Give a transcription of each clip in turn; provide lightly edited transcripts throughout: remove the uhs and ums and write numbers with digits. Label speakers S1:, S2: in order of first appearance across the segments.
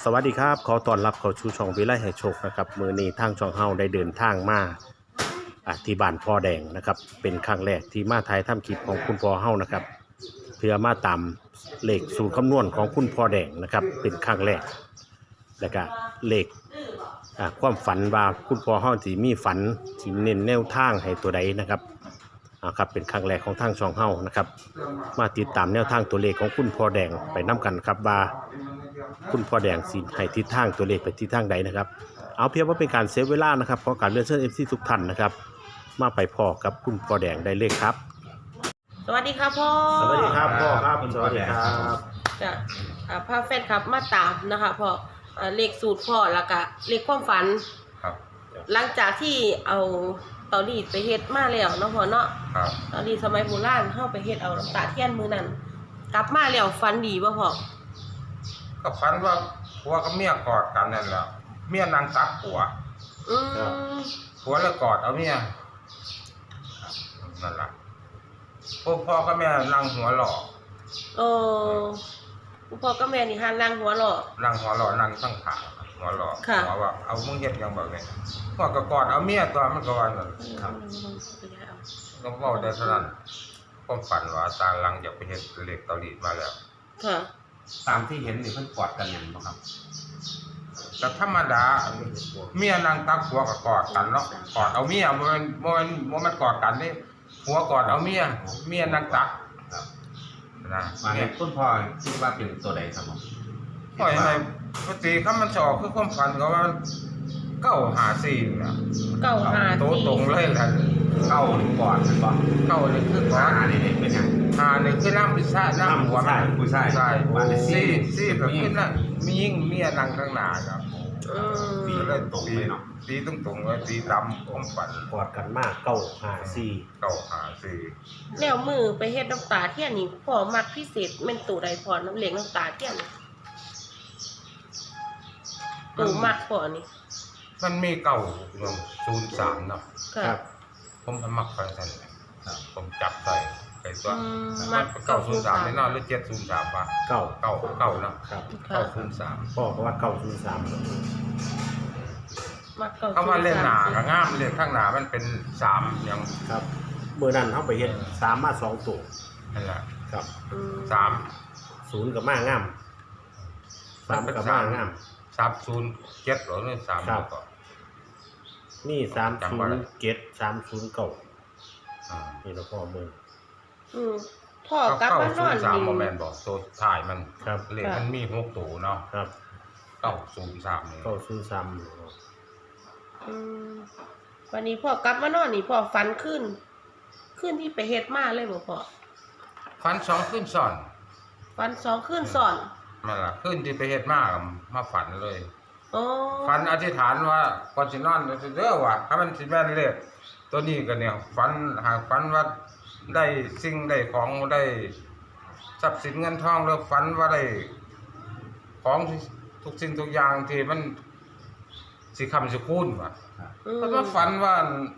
S1: สวัสดีครับขอต้อนรับเข้าสู่ช่องวิไลให้โชคนะครับมื้อนี้ทางช่องเฮาได้เดินทางมาที่บ้านพ่อแดงนะครับเป็นครั้งแรกที่มาถ่ายทำคลิปของคุณพ่อเฮานะครับเพื่อมาตามเลขสูตรคำนวณของคุณพ่อแดงนะครับเป็นครั้งแรกแล้วก็เลขความฝันว่าคุณพ่อเฮาสิมีฝันสิเน้นแนวทางให้ตัวใดนะครับครับเป็นครั้งแรกของทางช่องเฮานะครับมาติดตามแนวทางตัวเลขของคุณพ่อแดงไปนํกันครับว่าคุณพ่อแดงสิให้ทิศทางตัวเลขไปทิศทางใดนะครับเอาเพียงว่าเป็นการเซฟเวลานะครับขอการเลื่อนเชิญ FC ทุกท่านนะครับมาไปพ่อกับคุณพ่อแดงได้เลยครับ
S2: สวัสดีครับพ่อ
S1: สวัสดีครับพ่อครับสวัสดีครับ
S2: จะพาแฟนครับมาตามนะคะพ่อเลขสูตรพ่อแล้วก็เลขความฝัน
S3: ครับ
S2: หลังจากที่เอาเตารีดไปเฮ็ดมาแล้วเนาะพ่อเนาะ
S3: ครับ
S2: เตารีดสมัยโบราณเฮาไปเฮ็ดเอาน้ำตาเทียนมื้อนั้นกลับมาแล้วฝันดีบ่พ่อ
S3: ก็ฝันว่าผัวกับเมียกอดกันนั่นแหละเมียนางตักผัวผัวแล้วกอดเอาเมียนั่นแหละพ่อกับแม่นั่งหัวหล่อ
S2: พ่อกับแม่นี่หันนั่งหัวหล่อ
S3: นั่งหัวหล่อนั่งตั้งขาหัวหล่อหัวว่าเอามึงเฮ็ดยังแบบนี้พ่อก็กอดเอาเมียตัวมันก็ว่านั่นครับก็เว้าได้เท่านั้นผมฝันว่าตาลังอยากไปเฮ็ดเหล็กเตารีดมาแล้ว
S2: ค่ะ
S4: ตามที่เห็นนี่เพิ่นกอดกันอย่างบ่ครับ
S3: แต่ธรรมดาเมียนางตักผัวก็กอดกันเนาะกอดเอาเมียบ่มันกอดกันนี่ผัวกอดเอาเมียนางตัก
S4: ครับ
S3: นะ
S4: มาเห็นคุณพ่อคิดว่าเป็นตัวใดครับผม
S3: ปล่อยให้ปกติคำมันสอบคือความฝันก็ว่า954น่ะ
S2: 954
S3: ตรงเลยล่ะ
S4: เข้าหรือกอดมันบ่
S3: เข้านี่คือกอด
S4: นี่เป็นหยัง
S3: นี่คือน้ำพิซซ่าน้ำหัว
S4: ผู้ชาย
S3: ใช่ซี่แบบขึ้นน่ะมียิ่งเมียนั่งข้างหน้าครับ
S4: ตีเลยตรงเลยเนาะ
S3: ตีตรงๆเลยตีดำความฝัน
S1: กอดกันมาก954
S2: แล้วมือไปเฮ็ดน้ำตาเทียนนี่พ่อมักพิเศษแม่นตัวใดพ่อน้ำเหล็กน้ำตาเทียนตัวมักพ่อนี่
S3: มันมี903เนาะ
S2: ครับ
S3: ผมมักไปซั่นผมจับใส่ไปตัวมัน903แน่นอนหรือ703ป่ะ9เนาะ
S1: ครับ
S3: 903
S1: พ่อก็ว่า903
S2: มัก
S3: 9คำว่าเล่นหน้าก็งามเลขข้างหน้ามันเป็น3อย่าง
S1: ครับมื้อนั้นเฮาไปเฮ็ด3มา2ตัว
S3: นั่นแหละ
S1: ครับ
S3: 3
S1: 0ก็มางาม3ก็มางาม
S3: 307หรือ3ก็
S1: นี่307 309นี่เราพ่อมือ
S2: พ่อกลับมานอน
S3: นี่บ่แม่นบ่ตัวท้ายมัน
S1: ครับ
S3: เลขมันมี6ตัวเนาะ
S1: ครับ
S3: 903นี่
S2: วันนี้พ่อกลับมานอนนี่พ่อฝันขึ้นที่ไปเฮ็ดมาเลยบ่พ่อ
S3: ฝัน2คืนซ้อน
S2: ฝัน2คืนซ้อน
S3: นั่นล่ะคืนที่ไปเฮ็ดมาฝันเลย
S2: อ๋อ
S3: ฝันอธิษฐานว่าก่อนสินอนเด้อว่าถ้ามันสิแม่นเลขตัวนี้ก็เนี่ยฝันว่าได้สิ่งได้ของได้ทรัพย์สินเงินทองแล้วฝันว่าได้ของทุกสิ่งทุกอย่างที่มันสิคำสิคูณว่ะเพราะว่าฝันว่า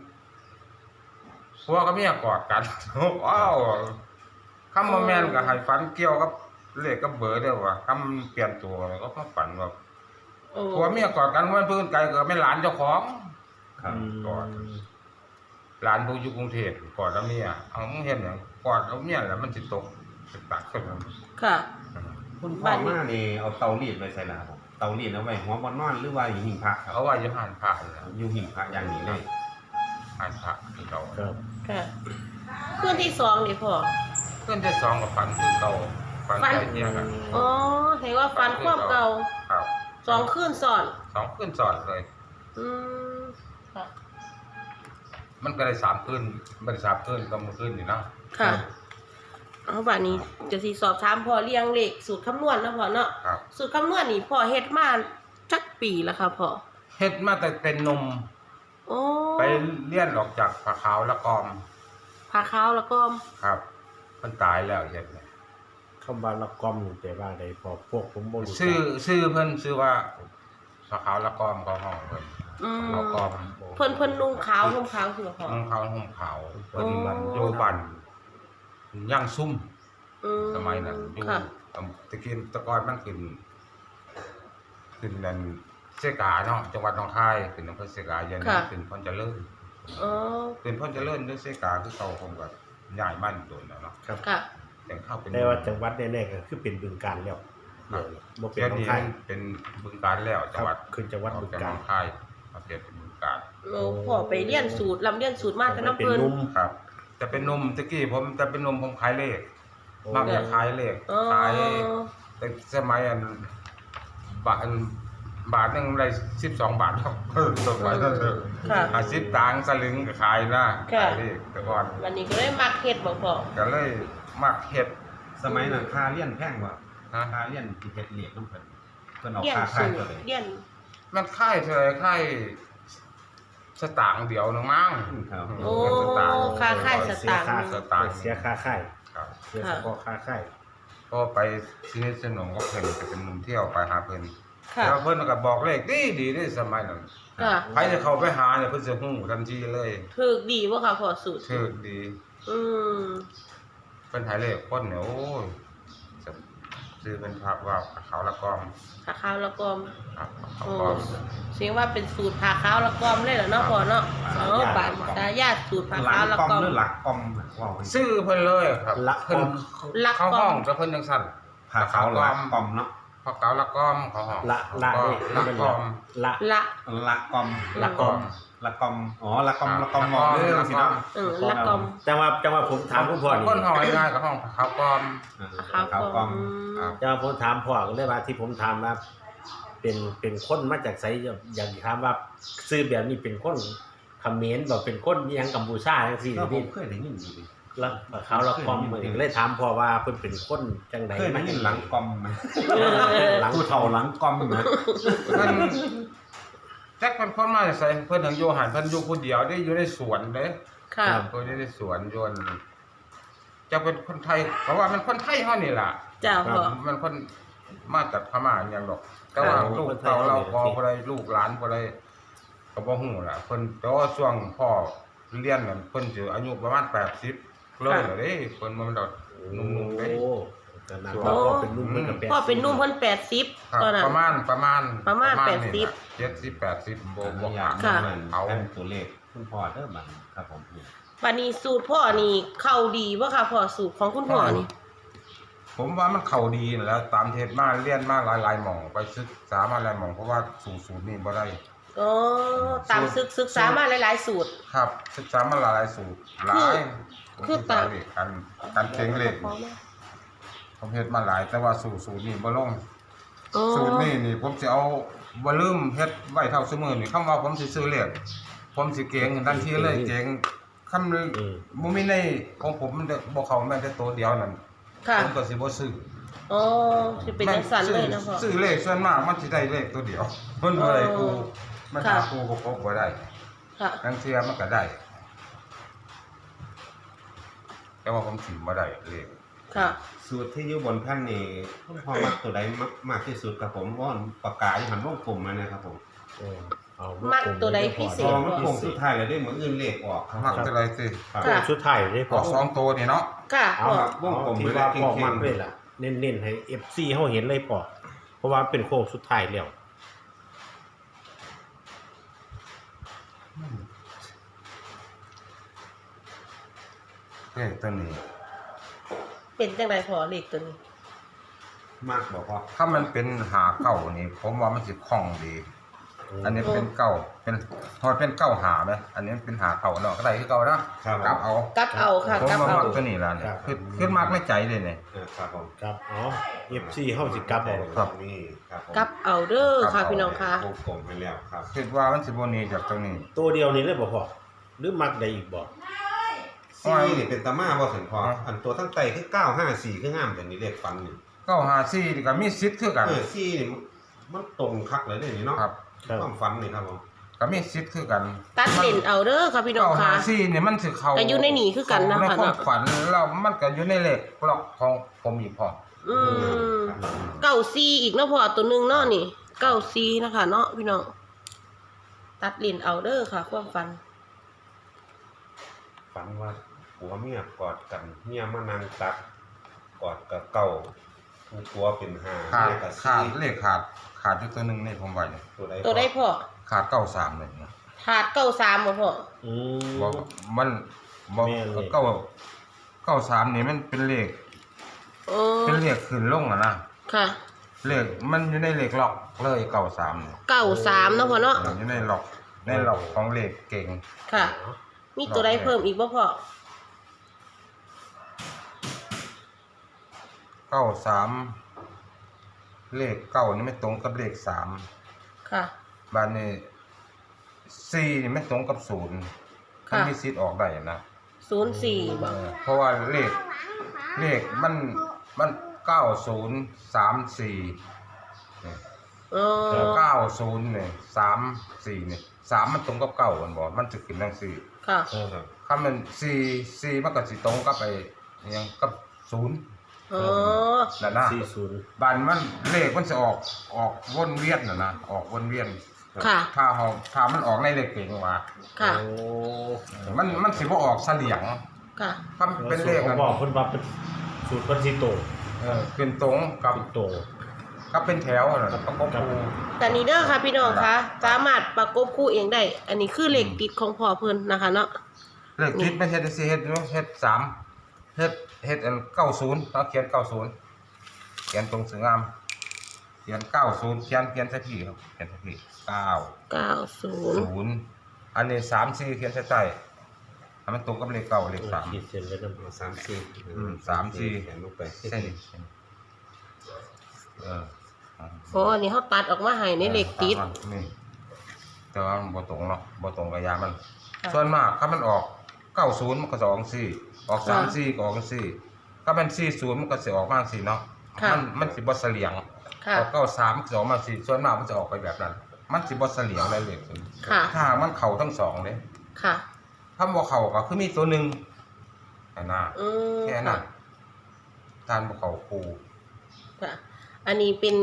S3: ผัวกับเมียกอดกันว้าวคำว่าแม่นก็ให้ฝันเกี่ยวกับเลขกับเบอร์เด้อว่าคำเปลี่ยนตัวก็มาฝันว่าผัวเมียกอดกันมันเพิ่นไกลก็เป็นหลานเจ้าของกอดหลานผู้อยู่กรุงเทพกอดแล้วเมียเอามึงเห็นหยังกอดเอาเมียแล้วมันสิตกเป็นปากขึ้น
S2: ค่ะ
S4: คุณพ่อมานี่เอาเตารีดไว้ใส่หน้าบ่เตารีดเอาไว้หัวบ่นอนหรือว่าอยู่หิ้งพระครับ
S3: เอาไว้อยู่ห่านพระ
S4: อยู่หิ้งพระอย่างนี้เลย
S3: ห่านพระคือเก่า
S2: ค่ะคืนที่2นี่พ่อ
S3: คืนที่2ก็ฝันคือเก่าฝันใจเที่ยงกัน
S2: อ๋อเห็นว่าฝันความเก่า
S3: ครับ
S2: 2คืนซ้อน
S3: 2คืนซ้อนเลย
S2: ค่ะ
S3: มันก็ได้3คืนบ่ได้3คืนก็มื้อคืนนี่เนาะ
S2: ค่ะเอาบัดนี้จะสิสอบถามพ่อเรียงเลขสูตรคำนวณนะพ่อเนาะสูตรคำนวณนี่พ่อเฮ็ดมาจักปีแล้วค่ะพ่อ
S3: เฮ็ดมาแต่เป็นหนุ่มไปเรียนออกจากผาขาวละกอมครับมันตายแล้วเฮ็ด
S1: คำว่าละกอมแต่ว่าใดพอพวกผมบ่รู้
S3: ชื่อเพิ่นชื่อว่าผาขาวละกอมเขาห้องเพิ่นละกอม
S2: เพิ่นนุ่งขาวห่มขาวคือพ่อ
S3: นุ่งขาวห่มขาวเพิ่นมันอยู่บ้านย่างซุ่มสมัยนั้นอยู่ตะกี้ตะกอนมันขึ้นขึ้นนั่นเสกาเนาะจังหวัดหนองคายขึ้นอำเภอเสกาเย็นขึ้นพรเจริญ
S2: อ๋อ
S3: ขึ้นพรเจริญด้วยเสกาคือเก่าผมก็ย้ายบ้านโดนแล้วเนาะ
S1: ครับ
S2: ค่ะ
S3: แต่เข้าเป็น
S1: แต่ว่าจังหวัดแน่ๆก็คือเป็นบึงกาฬแล้วบ่เป็น
S3: เดี๋ยว
S1: หนอง
S3: นี้
S1: คาย
S3: เป็นบึงการแล้วจังหวัด
S1: ขึ้นจังหวัดบึงกาฬ
S3: หนองคายมาเปลี่ยนเป็นบึงการ
S2: โอ้พ่อไปเรียนสูตรลำเรียนสูตรมาแต่น้ำ
S1: เป็น
S2: เพิ่น
S1: นุ่ม
S3: ครับจะเป็นนมตะกี้ผมจะเป็นนมผมขายเลข
S1: โอ้
S3: มักจะขายเลข
S2: อ๋อ
S3: ขายแต่สมัยบาทหนึงได้12 บาทครับสมัยนั้นเถอะ
S2: ค่ะ
S3: 50ตังค์สลึงก็ขายนะ
S2: ค่ะ
S3: ขายเลขแต่ก่อน
S2: วันนี้ก็เลยมักเฮ็ดบ่พ่อ
S3: ก็เลยมักเฮ็ด
S4: สมัยนั้นค่าเรียนแพงกว่า
S3: ฮะ
S4: ค่าเรียนที่เฮ็ดเหล็กน้ำเพิ่นเพิ่นเอา
S2: เรียน
S4: ค่า
S2: สู
S4: ค่าย
S2: ต
S4: ตัว
S2: ร
S4: เลย
S2: เรียน
S3: มันค่ายเท่าไหร่ค่ายสตางค์เดียวนึงมั้ง
S4: ครับ
S2: โอ้ค่าค่ายสตางค์
S3: สตางค์
S1: เสียค่าค่าย
S3: ครับ
S1: เสียเฉพาะค่าค่าย
S3: ก็ไปที่นี่สนองก็เพิ่นจะเป็นมุมเที่ยวไปหาเพิ่น
S2: ค่ะ
S3: แล้วเพิ่นก็บอกเลขดีในสมัยนั้น
S2: ค่ะ
S3: ใครจะเข้าไปหาเนี่ยเพิ่นสิฮู้ทันทีเลย
S2: ถูกดีบ่ค่ะพ่อสูตร
S3: ชื่อดี
S2: อืม
S3: เพิ่นหายเลขคนเนี่ยโอ้ยซื้อเป็นภาพว่าเขาละกอม
S2: ผ้าขาวละกอม
S3: ครับเขา
S2: โอ้
S3: กอม
S2: เสียงว่าเป็นสูตรผ้าขาวละกอมเลยเหรอเนาะพ่อเนาะอ๋อบานตายาติสูตรผ้า
S4: หลั
S2: ขาว
S4: ง
S2: ละ
S4: กอม
S2: กอม
S4: หรือหลักกอมว่าไว้
S3: ซื้อเพิ่นเลยครับ
S1: ละกอม
S3: เพิ่น
S2: ละกอม
S3: เข้าห้องแต่เพิ่นจังซั่น
S4: ผ้าขาวหลักกอมเนาะ
S3: พอเกาละกอมเขาห้อง
S1: ละละ
S3: ก็
S1: นี่
S3: ละ
S1: เป็น
S3: กอม
S1: ละ
S2: ละ
S4: หลักกอม
S1: ละกอม
S4: หลักกอมอ๋อหลักกอมหลักกอมมองเรื่องสิเนาะ
S2: ละกอม
S1: จังว่าผมถามคุณพ่อนี่
S3: คนห้องง่ายๆกับห้องเขากอม
S4: ขาวกอม
S3: ครับ
S1: จังว่าผมถามพ่อก็เลยว่าที่ผมถามว่าเป็นคนมาจากไสอยากถามว่าซื้อแบบนี้เป็นคนเขมรบ่เป็นคนอิหยังกัมพูชาจังซี่
S4: แล้วผ
S1: นี่
S4: มเคยได้ยินอยู่ดิ
S1: แล้วเขาละกอมเหมือนก็เลยถามพ่อว่าเพิ่นเป็นคนจังได
S4: เคยได้ยินหลังกอมไหม
S1: หลัง
S4: ผู้เฒ่าหลังกอมนะ
S3: เพิ่นแจ็คเป็นคนมาจากไสเพิ่นถึงอยู่หันเพิ่นอยู่ผู้เดียวได้อยู่ในสวนเด้
S2: ค่ะ
S3: เพิ่นอยู่ในสวนยนต์จะเป็นคนไทยเพราะว่ามันคนไทยเฮานี่ล่ะ
S2: จ้าพ่อ
S3: มันคนมาจากพม่าอหย่างดอก แต่ว่าลูกเต่าเราพอบ่ได้ลูกหลานบ่ได้ก็บ่ฮู้ล่ะเพิ่นแต่ว่าช่วงพ่อเรียนนั่นเพิ่นสิอายุประมาณ80เลยเด้เพิ่นมันดอกหนุ่มๆเด้
S1: โอ้แต่นั้นพ่อเป็นนุ่มเพิ่นก็แปด
S2: พ่อเป็นหนุ่มเพิ่น
S3: ครับ
S2: 80ตอนนั้น
S3: ประมาณ
S2: ประมาณ
S3: นี่
S2: 80
S3: ล่ะ70 80บ่
S4: บ
S3: บ่
S4: อก
S3: ห่าง
S2: ค่ะ
S4: เอาเป็นตัวเลขคุณพ่อเด้อบัดครับผม
S2: วันนี้สูตรพ่อนี่เข้าดีบ่ค่ะพ่อสูตรของคุณพ่อนี่
S3: ผมว่ามันเข้าดีนั่นแหล้วตามเทศมาเรียนมาหลายๆหม่องไปศึกษามาหลายหม่องเพราะว่าสูตรนี่บ่ได้
S2: อ๋อตามศึกษามาหลายๆสูตร
S3: ครับศึกษามาหลายสูตรหลาย
S2: คือตาม
S3: การเก่งเลขผมเฮ็ดมาหลายแต่ว่าสูตรนี่บ่ลง
S2: อ๋อ
S3: สูตรนี่ผมสิเอาบ่ลืมเฮ็ดไว้เท่าซุมื้อนี่คำว่าผมสิซื้อเลขผมสิเก่งทันทีเลยเก่งคำบ่มีในของผมมันบ่เข้าแม้แต่ตัวเดียวนั่น
S2: ค่ะ
S3: ผมก็สิบ่ซื้อ
S2: อ๋อสิเป็นจังซั่นเลยนะพ่อ
S3: ซื้อเลขส่วนมากมันสิได้เลขตัวเดียวมันบ่ได้กูมันหา
S2: ค่ะ
S3: กูก็พบบ่ได้
S2: ค่ะ
S3: ทั้งเทื่อมันก็ได้ แต่ว่าผมสิบ่ได้เลข
S2: ค่ะ
S4: สูตรที่อยู่บนแผ่นนี่คุณพ่อมักตัวใดมากที่สุดครับผมว่าปากกาอยู่หันวงกลมมานะครับผม
S1: เอา
S2: มักตัวใดพิเศ
S4: พ
S2: ษ
S4: อมันโค้งสุดท้ายแล้วได้เหมือนอื่นเลขออกครับ
S3: มักเท่าไหร่สิ
S4: ครับ
S1: โค้งสุดท้ายได้
S3: อ
S1: พ่อ
S3: อกสองตัวนี่เนาะ
S2: ค่ะ
S1: เอา
S2: พ่อ
S1: เอาที่ว่าพ่อมักเลยล่ะเน้นๆให้ FC เฮาเห็นเลยพ่อเพราะว่าเป็นโค้งสุดท้ายแล้ว
S3: เลขตัวนี้
S2: เป็นจังไดพ่อเลขตัวนี้
S4: มากบอกว่า
S3: ถ้ามันเป็นหาเก้านี่ผมว่ามันสิคล่องดี อันนี้เป็นเก้าเป็นพอเป็นเก้าหาไหมอันนี้เป็นหาเก้าเนาะก็ได้คือเก่านะกลับเอา
S2: กลับเอาค่ะ
S3: ผม
S2: กลับ
S3: ว่า
S2: เอา
S3: มักตัวนี้ล่ะเนี่ยขึ้นมากไม่ใจเลยเนี่ย
S4: ครับผม
S1: ครับอ๋อ FC เฮาสิกลับเอา
S3: ครับ
S4: นี่ครับผม
S2: กลับเอาเด้อค่ะพี่น้องค่ะ
S4: วงกลมไปแล้วครับ
S3: คิดว่ามันสิบ่หนีจากตรงนี้
S1: ตัวเดียวนี่เลยบ่พ่อหรือมักได้อีกบ่
S4: ซี่นี่เป็นตาม่าบ่ถึงพออันตัวทั้งไตคือ954คืองามแต่นี่เลขฟันนี่
S3: เก้าหาซี่นี่ก็มีสิทธิ์คือกัน
S4: ซี่นี่มันตรงคักเลยเด้นี่เนาะ
S3: ครับ
S4: ความฝันนี่ครับผม
S3: ก็มีสิทธิ์คือกัน
S2: ตัดเล่นเอาเด้อค่ะพี่น้อง
S3: เก้าหา
S2: ค่ะ
S3: ซี่นี่มันสิเข้า
S2: ก็อยู่ในนี่คือกันนะ
S3: ใน
S2: คะ
S3: ความฝันแล้วมันก็อยู่ในเลขกล็อกของผมอีกพอ
S2: อืม94อีกเนาะพ่อตัวหนึงเนาะนี่94นะคะเนาะพี่น้องตัดเล่นเอาเด้อค่ะ ความฝัน
S4: ฝันว่าผัวเมียกอดกันเมียมานั่งตักกอดกับเก่าตัวเป็นห้า
S3: ขาด
S4: เลขกับ
S3: ขาด
S4: สี่
S3: เลขขาดอยู่ตัวหนึงนี่ผมไว้เนี่ย
S2: ตัวได้พ่อ
S3: ขาด93เลยนะ
S2: ขาด93บ่พ่อ
S1: อืม
S3: บ่มันบ่
S1: แม่นเลย
S3: 93นี่มันเป็นเลข
S2: เออ
S3: เป็นเลขขึ้นลงอ่ะนะ
S2: ค่ะ
S3: เลขมันอยู่ในเลขล็อกเลย93เนี่ย
S2: 93เนาะพ่อเนาะ
S3: อยู่ในล็อกของเลขเก่ง
S2: ค่ะ มีตัวใดเพิ่มอีกบ่พ่อ
S3: 93เลข9นี่ไม่ตรงกับเลข3
S2: ค่ะ
S3: บ้านนี้4นี่ไม่ตรงกับ0มัน
S2: ค่ะ
S3: มีสิทธิ์ออกได้นะ
S2: 04บ่
S3: เพราะว่าเลขมัน9034
S2: เออ
S3: 90เนี่ย34เนี่ย3มันตรงกับ9มันบ่มันจะขึ้นจังซี่
S2: ค่ะ
S4: ครับ
S3: ถ้ามัน4มันก็สิตรงกับไอ้อิหยังกับ0
S2: อ๋อ
S3: นั่นนะ
S1: 40
S3: บ้านมันเลขมันจะออกวนเวียนนะออกวนเวียน
S2: ค่ะ
S3: ถ้ามันออกในเลขเก่งมา
S2: ค่ะ
S1: โอ้
S3: มันสิบ่ออกเสลียง
S2: ค่ะ
S3: ถ้าเป็นเลข
S1: เขา
S3: กัน
S1: บอกเพิ่นว่าเป็นสูตรเพิ่นสิโต
S3: เป็นตรงกับ
S1: สิโต
S3: เป็นแถวน่ะประกบคู่
S2: แต่นี้เด้อค่ะพี่น้องคะสามารถประกบคู่เองได้ อันนี้คือเลขติดของพ่อเพิ่นนะคะเนาะ
S3: เลขทิศไม่เฮ็ดสิเฮ็ดอยู่เฮ็ด3เฮ็ดอัน90เราเขียน90เขียนตรงสวยงามเขียน90เขียนใส่พี่ครับเขียนใส่พี่
S2: 90
S3: 0อันนี้34เขียนใส่ใต้ให้มันตรงกับเลข9เลข3
S1: ขีดเส้นไว้นำ
S4: 3-4
S3: 3-4
S4: เขียนลงไป
S3: เส้นเออ
S2: เพราะอันนี้เขาตัดออกมาให้ในเลขติด
S3: นี่แต่ว่ามันบ่ตรงเนาะบ่ตรงกับยามัน
S2: ค่ะ
S3: ส่วนมากถ้ามันออก90มันก็จะออก4ออก34ก็ออก4ถ้ามัน40มันก็สิออกมา4เนาะ
S2: ค่ะ
S3: มันสิบ่เสลียง
S2: ค่ะ
S3: ออก93มันสิออกมา4ส่วนมากมันจะออกไปแบบนั้น มันสิบ่เสลียงได้เลย
S2: ค่ะ
S3: ถ้าหากมันเข้าทั้งสองเด้
S2: ค่ะ
S3: ถ้าบ่เข้าก็คือมีตัวหนึงอันน่ะ
S2: อืม
S3: แค่นั้นทานบ่เข้าคู่
S2: ค่ะ อันนี้เป็น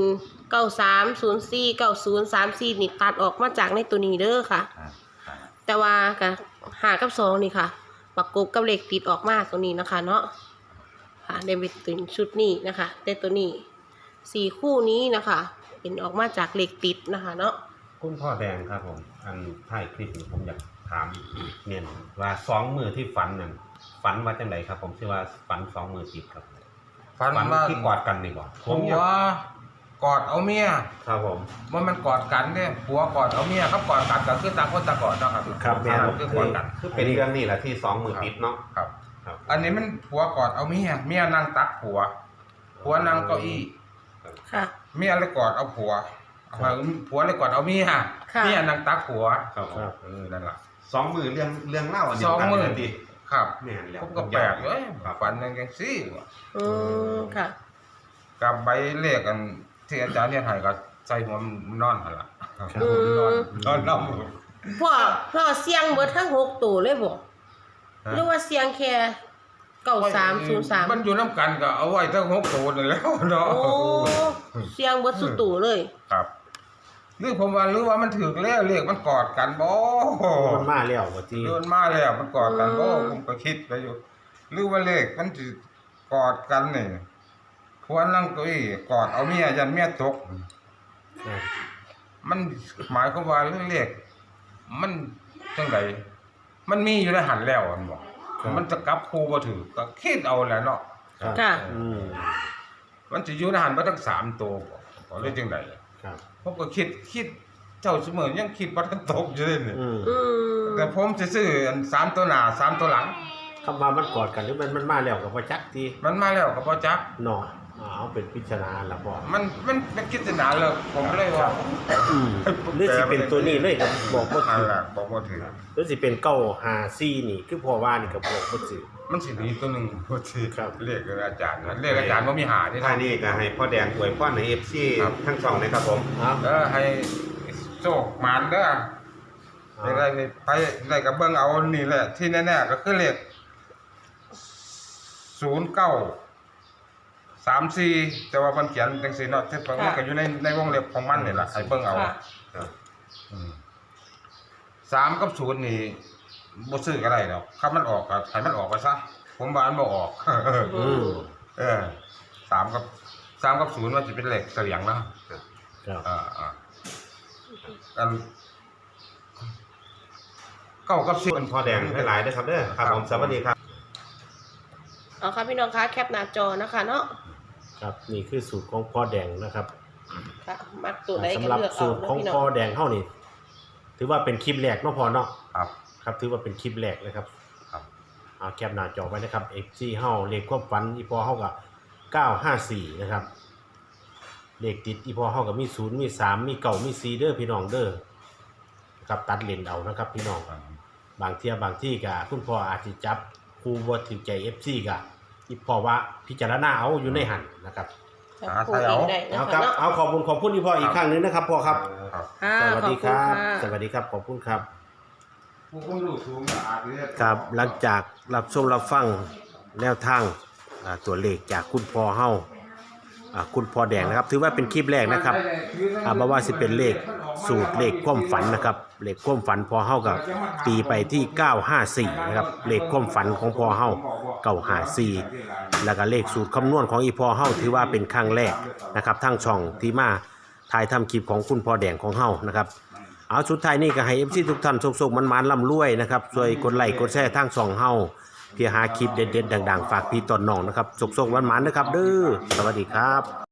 S2: 9304 9034นี่ตัดออกมาจากในตัวนี้เด้อค่ะ
S3: อ่า
S2: แต่ว่ากับ5กับ2นี่ค่ะ ประกบกับเลขติดออกมาตัวนี้นะคะ เนาะค่ะได้ไปถึงชุดนี้นะคะแต่ตัวนี้4คู่นี้นะคะ เป็นออกมาจากเลขติดนะคะ เนาะ
S4: คุณพ่อแดงครับผม อันท้ายคลิปนี้ผมอยากถามเมียนว่า2มือที่ฝันนั่นฝันว่าจังไดครับ ผมชื่อว่าฝัน2มือติดครับ
S3: ฟัน
S4: ฝัน
S3: ว่า
S4: ที่กอดกันนี่บ่
S3: ผัวกอดเอาเมีย
S4: ครับผม
S3: ว่ามันกอดกันเนี่ยผัวกอดเอาเมียครับกอดกันก็คือต่างคนต่างกอดเนาะครับ
S1: ครับแม่น
S3: คือกอดกัน
S4: คือเป็นเรื่องนี้แหละที่2มือติดเนาะ
S3: ครับ
S4: ครับ
S3: อันนี้มันผัวกอดเอาเมียนั่งตักผัวนั่งเก้าอี้
S2: ค่ะ
S3: เมียเลยกอดเอาผัวผัวเลยกอดเอาเมีย
S2: ค่ะ
S3: เมียนั่งตักผัว
S4: ครับผม
S3: นั่นแหละ
S4: 2มือเรื่องเล่าอันเดี
S3: ส
S4: ยว
S3: อง
S4: กัน
S3: มือ
S4: เลยดิ
S3: ครับ
S4: แม่นแล้ว
S3: ผมก็แปลกเลยฝันยังไงสิ
S2: อืมค่ะ
S3: กับใบเลขกันที่อาจารย์เนี่ยให้ก็ใส่หัวมันนอนหั่นล่ะ
S2: อืม
S3: นอน
S2: พ่อเสียงเบิดทั้ง6ตัวเลยบ่หรือว่าเสียงแค่9303
S3: มันอยู่น้ำกันก็เอาไว้ทั้ง6ตัวนั่นแหล้วเนาะ
S2: โอ้เสียงเบิดสุดตัวเลย
S3: ครับหรือผมว่าหรือว่ามันถึกแล้วเลขมันกอดกันบ่
S1: มันมาแล้วว่าที่
S3: เดินมาแล้วมันกอดกันบ่
S2: อืม
S3: ผมก็คิดไปอยู่หรือว่าเลขมันสิกอดกันนี่ควรนั่งเก้าอี้กอดเอาเมียยันเมียตก มันหมายความว่าเรื่องเลขมันจังไดมันมีอยู่ในหันแล้วมันบอกมันจะกลับครูบ่ถือก็คิดเอาแหละเนาะ
S2: ค่ะ
S1: อืม
S3: มันจะอยู่ในหันบ่ทั้ง3ตัวบ่เลยจังได
S1: ครับ
S3: ผมก็คิดเจ้าเสมอยังคิดว่าทันตกอยู่เลยนี่
S1: อืม
S2: อืม
S3: แต่ผมสิซื้ออัน3ตัวหน้า3ตัวหลัง
S1: คำว่ามันกอดกันหรือมันมาแล้วก็บ่จักที่
S3: มันมาแล้วก็บ่จัก
S1: เนาะเอาเป็นพิจารณาละบ่
S3: มันเป็นคิดนาเลยผมเลยว่า
S1: อืมหรือสิเป็นตัวนี้เลยก็บอกบ่
S3: อัน
S1: ถูก
S3: ละบอกบ่ถือ
S1: หรือสิเป็น954นี่คือพ่อว่านี่ก็บอกบ่ถูก
S3: มันสิมีตัวหนึงบ่ถือ
S1: ครับ
S3: เลขอาจารย์นะเลขอาจารย์บ่มีหาที่
S4: ท่า
S3: ทาง
S4: นี้ก็ให้พ่อแดงอวยพรใน FC
S3: ครับ
S4: ทั้งสองเลยครับผม
S1: ครับ
S3: ให้โชคหมานเด้อได้นี่ไปได้กับเบิ่งเอานี่แหละที่แน่ๆก็คือเลข0934แต่ว่ามันเขียนจังซี่เนาะที่มันก็อยู่ในวงเล็บของมันนี่ล่ะให้เบิ่งเอา
S2: ค่ะ
S4: ครับ
S3: 3กับ0นี่บ่ซื้อก็ได้ดอกถ้ามันออกก็ให้มันออกไปซะผมว่ามันบ่ออก
S1: อืม
S3: 3กับ 3กับ0ว่าจะเป็นเลขเสียงแล้ว
S1: ครับ
S3: กัน9กับ
S4: คุณพ่อแดงให้หลายด้วยครับเด้อครับผมสวัสดีครับ
S2: เอาค่ะพี่น้องคะแคปหน้าจอนะคะเนาะ
S1: ครับนี่คือสูตรของพ่อแดงนะครับ
S2: ค่ะมักตัวไหนก็
S1: สำหรับ
S2: เลือก
S1: สู
S2: เอา
S1: ตร
S2: นะ
S1: ของ
S2: พี่น้อ
S1: พ่อง แดงเฮานี่ถือว่าเป็นคลิปแรกเนาะพ่อเนาะ
S3: ครับ
S1: ครับถือว่าเป็นคลิปแรกนะครับ
S3: ครับ
S1: เอาแคปหน้าจอไว้นะครับ FC เฮาเลขความฝันอีพ่อเฮากับ954นะครับเลขติดอีพ่อเฮากับมี0มี3มี9มี4เด้อพี่น้องเด้อนะครับตัดเลนเอานะครับพี่น้องบางเที่ยบางที่ก็คุณพ่ออาจสิจับคู่บ่ถูกใจ FC ก็อีพ่อว่าพิจารณาเอาอยู่ในหันนะครับ
S2: พูดเองได้นะ
S1: เอา
S2: คะ
S1: ครับ
S2: เนาะ
S1: เอาขอบคุณอีพ่ออีกครั้งหนึงนะครับพ่อครับ
S3: ครับ
S2: ค่ะ
S1: สวัสดีครั
S2: ข
S1: บ
S2: อณะ
S1: สวัสดีครับขอบคุณครับ
S3: ผู้คนรู้สูงก็อาจจะ
S1: ครับหลังจากรับชมรับฟังแนวทางตัวเลขจากคุณพ่อเฮาคุณพ่อแดงนะครับ ถือว่าเป็นคลิปแรกนะครับบ่ว่าสิเป็นเลขสูตรเลขความฝันนะครับเลขความฝันพ่อเฮากับตีไปที่954นะครับเลขความฝันของพ่อเฮา954แล้วก็เลขสูตรคำนวณของอีพ่อเฮาถือว่าเป็นครั้งแรกนะครับทั้งช่องที่มาถ่ายทำคลิปของคุณพ่อแดงของเฮานะครับเอาสุดท้ายนี้ก็ให้ FC ทุกท่านสุขๆมันๆร่ำรวยนะครับช่วยกดไลค์กดแชร์ทางช่องเฮาเพื่อหาคลิปเด็ดๆดังๆฝากพี่ต้นน้องนะครับสุขๆมันๆนะครับเด้อสวัสดีครับ